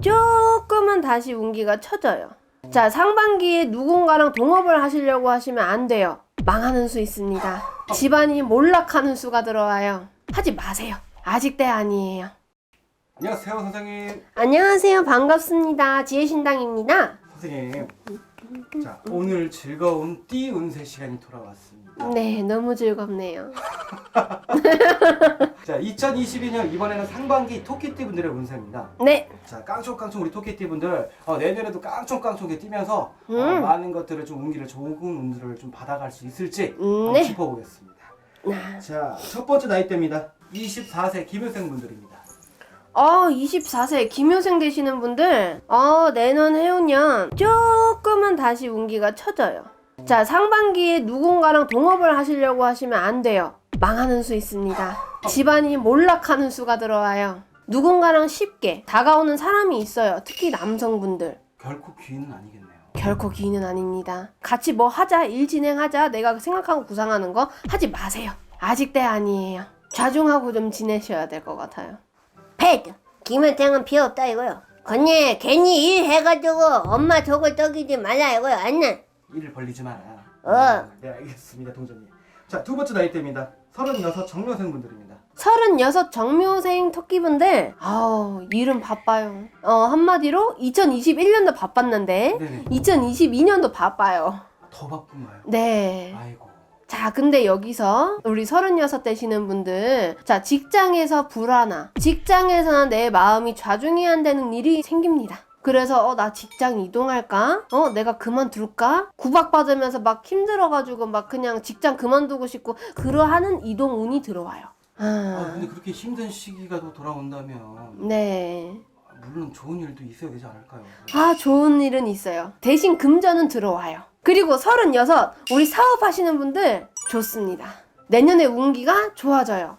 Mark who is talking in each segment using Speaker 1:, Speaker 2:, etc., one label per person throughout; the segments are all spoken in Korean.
Speaker 1: 조금은 다시 운기가 처져요. 자, 상반기에 누군가랑 동업을 하시려고 하시면 안 돼요. 망하는 수 있습니다. 집안이 몰락하는 수가 들어와요. 하지 마세요. 아직 때 아니에요.
Speaker 2: 안녕하세요 선생님.
Speaker 1: 안녕하세요. 반갑습니다. 지혜신당입니다.
Speaker 2: 선생님, 자 오늘 즐거운 띠 운세 시간이 돌아왔습니다.
Speaker 1: 네, 너무 즐겁네요.
Speaker 2: 자 2022년 이번에는 상반기 토끼띠 분들의 운세입니다.
Speaker 1: 네.
Speaker 2: 자 깡총깡총 우리 토끼띠 분들 내년에도 깡총깡총하게 뛰면서 많은 것들을 좀 운기를 좋은 운들을 좀 받아갈 수 있을지 한번
Speaker 1: 네.
Speaker 2: 짚어보겠습니다. 자 첫 번째 나이대입니다. 24세 김효생 분들입니다.
Speaker 1: 24세 김효생 되시는 분들 내년 해운년 조금은 다시 운기가 처져요. 자, 상반기에 누군가랑 동업을 하시려고 하시면 안 돼요. 망하는 수 있습니다. 집안이 몰락하는 수가 들어와요. 누군가랑 쉽게 다가오는 사람이 있어요. 특히 남성분들.
Speaker 2: 결코 귀인은 아니겠네요.
Speaker 1: 결코 기인은 아닙니다. 같이 뭐 하자, 일 진행하자, 내가 생각하고 구상하는 거 하지 마세요. 아직 때 아니에요. 좌중하고 좀 지내셔야 될 것 같아요.
Speaker 3: 패드 김효생은 필요 없다 이거요. 건니 괜히 일 해가지고 엄마 속을 떡이지 말라 이거요. 안나.
Speaker 2: 일을 벌리지 마라.
Speaker 3: 어.
Speaker 2: 네 알겠습니다 동전님. 자 두 번째 나이대입니다. 36 정묘생 분들입니다.
Speaker 1: 36 정묘생 토끼분들 일은 바빠요. 한마디로 2021년도 바빴는데
Speaker 2: 네네.
Speaker 1: 2022년도 바빠요.
Speaker 2: 더 바쁜가요?
Speaker 1: 네.
Speaker 2: 아이고.
Speaker 1: 자, 근데 여기서 우리 36 되시는 분들, 자, 직장에서 불안하, 직장에서는 내 마음이 좌중이 안 되는 일이 생깁니다. 그래서 나 직장 이동할까? 내가 그만둘까? 구박받으면서 막 힘들어가지고 막 그냥 직장 그만두고 싶고 그러하는 이동 운이 들어와요.
Speaker 2: 근데 그렇게 힘든 시기가 또 돌아온다면
Speaker 1: 네.
Speaker 2: 물론 좋은 일도 있어야 되지 않을까요?
Speaker 1: 좋은 일은 있어요. 대신 금전은 들어와요. 그리고 36 우리 사업하시는 분들 좋습니다. 내년에 운기가 좋아져요.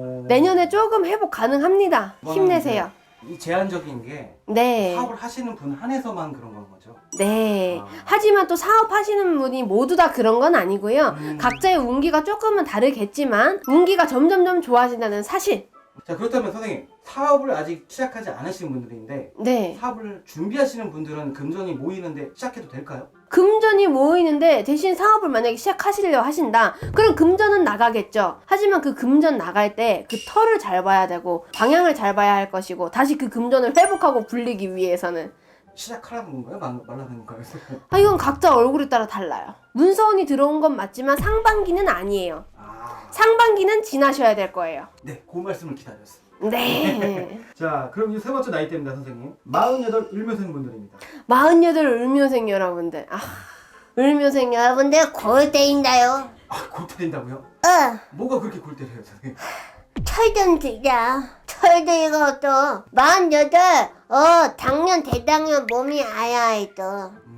Speaker 1: 내년에 조금 회복 가능합니다. 힘내세요.
Speaker 2: 이 제한적인 게
Speaker 1: 네.
Speaker 2: 사업을 하시는 분 한해서만 그런 건 거죠?
Speaker 1: 네. 하지만 또 사업하시는 분이 모두 다 그런 건 아니고요. 각자의 운기가 조금은 다르겠지만 운기가 점점점 좋아진다는 사실.
Speaker 2: 자 그렇다면 선생님 사업을 아직 시작하지 않으신 분들인데
Speaker 1: 네.
Speaker 2: 사업을 준비하시는 분들은 금전이 모이는데 시작해도 될까요?
Speaker 1: 금전이 모이는데 대신 사업을 만약에 시작하시려 하신다. 그럼 금전은 나가겠죠. 하지만 그 금전 나갈 때 그 털을 잘 봐야 되고 방향을 잘 봐야 할 것이고 다시 그 금전을 회복하고 불리기 위해서는
Speaker 2: 시작하라는 건가요? 말라는 건가요?
Speaker 1: 이건 각자 얼굴에 따라 달라요. 문서운이 들어온 건 맞지만 상반기는 아니에요. 상반기는 지나셔야 될 거예요.
Speaker 2: 네, 그 말씀을 기다렸습니다.
Speaker 1: 네.
Speaker 2: 자, 그럼 이제 세 번째 나이대입니다, 선생님. 48 을묘생 분들입니다.
Speaker 1: 48 을묘생 여러분들.
Speaker 3: 울묘생 여러분들 골 때린다요.
Speaker 2: 골 때린다고요? 뭐가 그렇게 골 때려요, 선생님?
Speaker 3: 철 좀 들자. 철 들고 또 48 당년 대당년 몸이 아야해 또.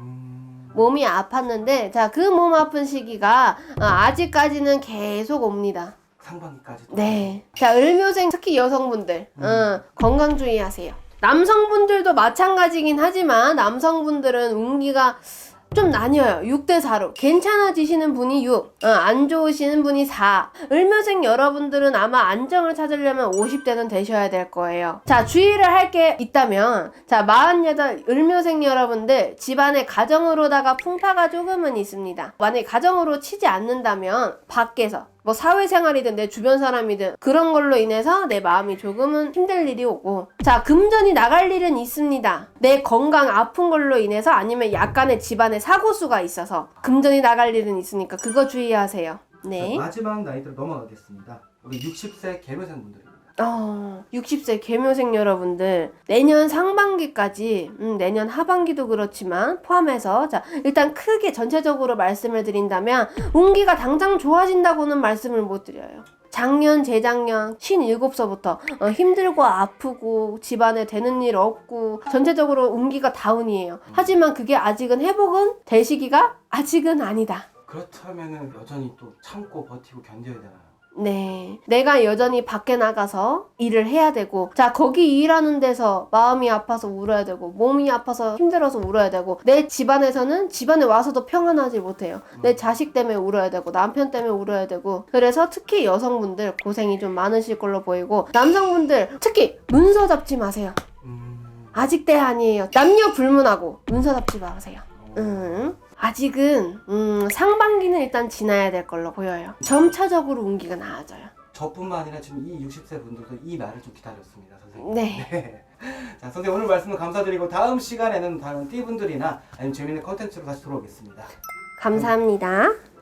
Speaker 1: 몸이 아팠는데 자, 그 몸 아픈 시기가 아직까지는 계속 옵니다.
Speaker 2: 상반기까지도.
Speaker 1: 네. 자, 을묘생 특히 여성분들 건강 주의하세요. 남성분들도 마찬가지긴 하지만 남성분들은 운기가 좀 나뉘어요. 6대 4로 괜찮아지시는 분이 6, 안 좋으시는 분이 4. 을묘생 여러분들은 아마 안정을 찾으려면 50대는 되셔야 될 거예요. 자, 주의를 할 게 있다면 자, 48 을묘생 여러분들 집안의 가정으로다가 풍파가 조금은 있습니다. 만약에 가정으로 치지 않는다면 밖에서 뭐 사회생활이든 내 주변 사람이든 그런 걸로 인해서 내 마음이 조금은 힘들 일이 오고 자, 금전이 나갈 일은 있습니다. 내 건강 아픈 걸로 인해서 아니면 약간의 집안의 사고수가 있어서 금전이 나갈 일은 있으니까 그거 주의하세요. 네.
Speaker 2: 자, 마지막 나이대로 넘어가겠습니다. 우리 60세 계묘생 분들입니다.
Speaker 1: 60세 계묘생 여러분들 내년 상반기까지 내년 하반기도 그렇지만 포함해서 자, 일단 크게 전체적으로 말씀을 드린다면 운기가 당장 좋아진다고는 말씀을 못 드려요. 작년 재작년 57서부터 힘들고 아프고 집안에 되는 일 없고 전체적으로 운기가 다운이에요. 하지만 그게 아직은 회복은 될 시기가 아직은 아니다.
Speaker 2: 그렇다면은 여전히 또 참고 버티고 견뎌야 되나요?
Speaker 1: 네. 내가 여전히 밖에 나가서 일을 해야 되고, 자, 거기 일하는 데서 마음이 아파서 울어야 되고, 몸이 아파서 힘들어서 울어야 되고, 내 집안에서는 집안에 와서도 평안하지 못해요. 내 자식 때문에 울어야 되고, 남편 때문에 울어야 되고, 그래서 특히 여성분들 고생이 좀 많으실 걸로 보이고, 남성분들 특히 문서 잡지 마세요. 아직 때 아니에요. 남녀 불문하고 문서 잡지 마세요. 아직은 상반기는 일단 지나야 될 걸로 보여요. 점차적으로 운기가 나아져요.
Speaker 2: 저뿐만 아니라 지금 이 60세 분들도 이 말을 좀 기다렸습니다, 선생님.
Speaker 1: 네.
Speaker 2: 자, 선생님 오늘 말씀을 감사드리고 다음 시간에는 다른 띠분들이나 아니면 재밌는 컨텐츠로 다시 돌아오겠습니다.
Speaker 1: 감사합니다.